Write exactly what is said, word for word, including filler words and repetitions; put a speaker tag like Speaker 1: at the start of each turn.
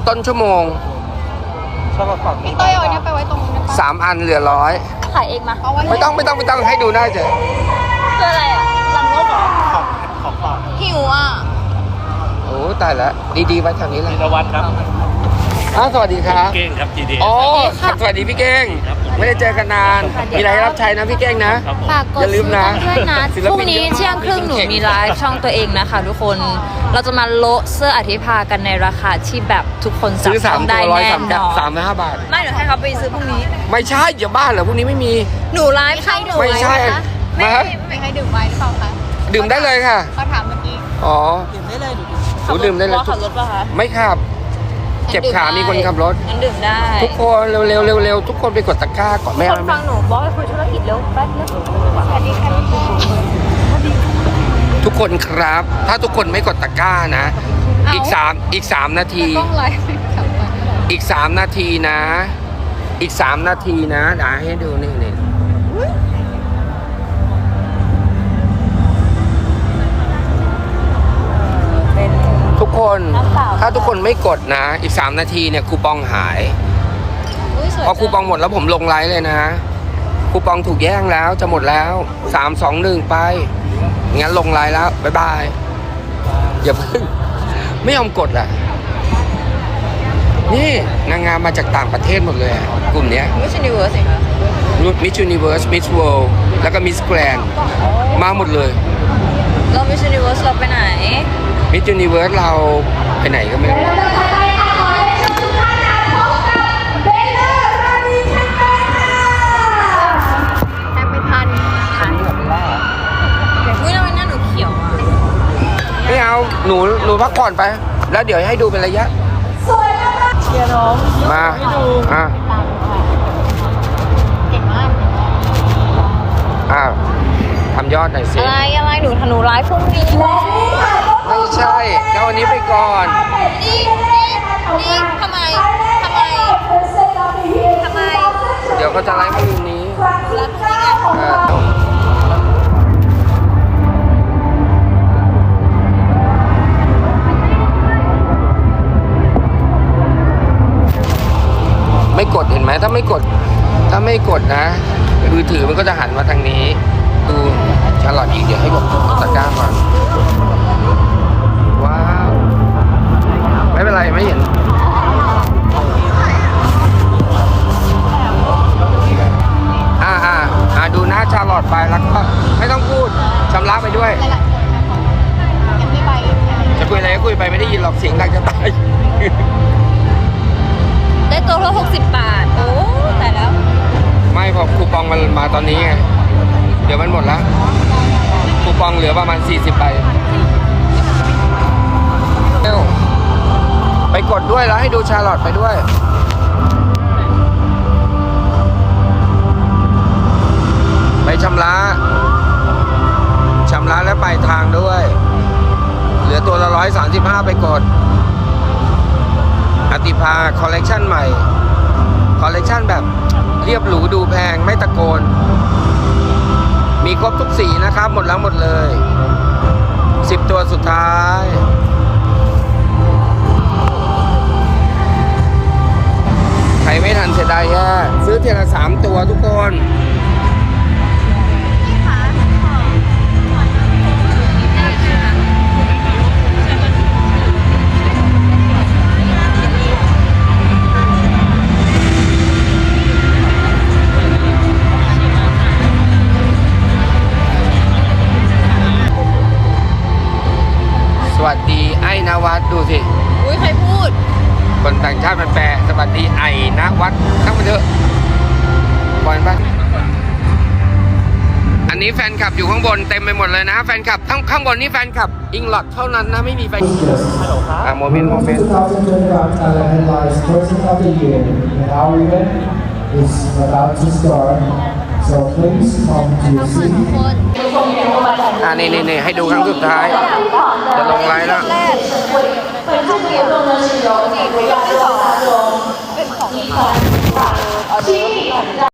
Speaker 1: ต้นชั่วโมง
Speaker 2: พี่เต้ยเอาเนี่ยไปไว้ตรงนี้น
Speaker 1: สามอันเหลือร้อย
Speaker 3: ขายเองมา
Speaker 1: ไม่ต้องไม่ต้องไม่ต้องให้ดูได้เถอะ
Speaker 3: คืออะไรอ่ะรังนกเหรอของ
Speaker 2: ของฝากหิวอ่ะ
Speaker 1: โอ้ตายแล้วดีๆไว้แถวนี้เลย
Speaker 4: ธีรวัฒน์ครับ
Speaker 1: อ้าวสวัสดีครับ
Speaker 4: เก้งครับ จี ดี
Speaker 1: อ๋อสวัสดีพี่เก้งไม่ได้เจอกันนานมีอะไรรับใช้นะพี่เก้งนะ
Speaker 3: ฝากกดซื้อกันด้วยนะพรุ่งนี้เที่ยงครึ่งหนูมีไลฟ์ช่องตัวเองนะคะทุกคนเราจะมาโละเสื้ออธิภากันในราคาที่แบบทุกคนจับต้องได้แน่นอน
Speaker 1: สามห้าบาท
Speaker 3: ไม่เดี๋ยวให้เขาไปซื้อพรุ่งนี้
Speaker 1: ไม่ใช่อย่าบ้าเหรอพรุ่งนี้ไม่มี
Speaker 3: หนูไลฟ์ใครหนู
Speaker 1: ไม่ใช่
Speaker 2: ไม่ไม่ให้ดื่มไวน์หรือเปล่าคะ
Speaker 1: ดื่มได้เลยค่ะ
Speaker 2: เขาถามเมื่อกี้
Speaker 1: อ๋อ
Speaker 3: ดื่มได้เลย
Speaker 1: หนูดื่มได้เลย
Speaker 3: ขับรถป่ะคะ
Speaker 1: ไม่ขับเจ็บขามีคนขับรถ
Speaker 3: งั้นดื่มได้
Speaker 1: ทุกคนเร็วเร็วเร็วเร็วทุกคนไปกดตะกร้าก่อนแม่
Speaker 3: คนฟังหนูบอกให้คุยธุรกิจเร็วแป๊บนึงสวัสดีค่ะ
Speaker 1: ทุกคนครับ ถ้าทุกคนไม่กดตะกร้านะอีกสามอีกสามนาทีอีกสามนาทีนะอีกสามนาทีนะเดี๋ยวให้ดูนี่นี่ทุกคนถ้าทุกคนไม่กดนะอีกสามนาทีเนี่ยคูปองหายพอคูปองหมดแล้วผมลงไลฟ์เลยนะคูปองถูกแย่งแล้วจะหมดแล้วสามสองหนึ่งไปงั้นลงไลน์แล้วบ๊ายบายอย่าเพิ่งไม่ยอมกดอ่ะนี่นางงามมาจากต่างประเทศหมดเลยกลุ่มเนี้ย
Speaker 3: Miss Universe เหรอ
Speaker 1: Miss Universe Miss World แล้วก็ Miss Grand มาหมดเลย
Speaker 3: เรา Miss Universe เราไปไหน
Speaker 1: Miss Universe เราไปไหนก็ไม่รู้ไม่เอาหนูหนูพักผ่อนไปแล้วเดี๋ยวให้ดูเป็นระยะ
Speaker 3: เชียร์น้อง
Speaker 1: มาอ่ะ
Speaker 2: เก่งมาก
Speaker 1: อ้าวทำยอดหน่อยสิ
Speaker 3: อะไรอะไรหนูหนูไลฟ์พรุ่งนี้
Speaker 1: ไม่ใช่แล้ววันนี้ไปก่อน
Speaker 3: นี่นี่นี่ทำไมทำไมทำไม
Speaker 1: เดี๋ยวเขาจะไลฟ์มาวันนี้
Speaker 3: แล้วพรุ่งนี้ไง
Speaker 1: ไม่กดเห็นไหมถ้าไม่กดถ้าไม่กดนะมือถือมันก็จะหันมาทางนี้ดูชาร์ลอตอีกเดี๋ยวให้บอกตะกร้าก่อนว้าวไม่เป็นไรไม่เห็นอ่าอ่าอ่าดูหน้าชาร์ลอตไปแล้วก็ไม่ต้องพูดชำระไปด้วยจะคุยอะไรก็คุยไปไม่ได้ยินหรอกเสียงดังจะตาย
Speaker 3: ได้ตัวละหกสิบบาทโอ้แต่แล้ว
Speaker 1: ไม่พอคูปองมันมาตอนนี้ไงเดี๋ยวมันหมดแล้วคูปองเหลือประมาณสี่สิบใบเร็วไปกดด้วยแล้วให้ดูชาร์ลอตไปด้วยไปชำระชำระและปลายทางด้วยเหลือตัวละร้อยสามสิบห้าไปกดอติภาคอลเลกชันใหม่คอลเลกชันแบบเรียบหรูดูแพงไม่ตะโกนมีครบทุกสีนะครับหมดแล้วหมดเลยสิบตัวสุดท้ายใครไม่ทันเสียดายแย่ซื้อเทียละสามตัวทุกคนสวัสดีไอ้นวัดดูสิ
Speaker 3: อุ้ยใครพูด
Speaker 1: คนต่างชาติมันแปลสวัสดีไอ้นวัดทั้งมันเถอะบอลปะอันนี้แฟนคลับอยู่ข้างบนเต็มไปหมดเลยนะแฟนคลับทั้งข้างบนนี่แฟนคลับอิงลอดเท่านั้นนะไม่มีแฟนอ่ะโมเมนต์โมเมนต์อ่านี่นี่นี่ให้ดูครั้งสุดท้ายจะลงไลน์แล้ว
Speaker 3: เป็นของเกียร์เป็นของ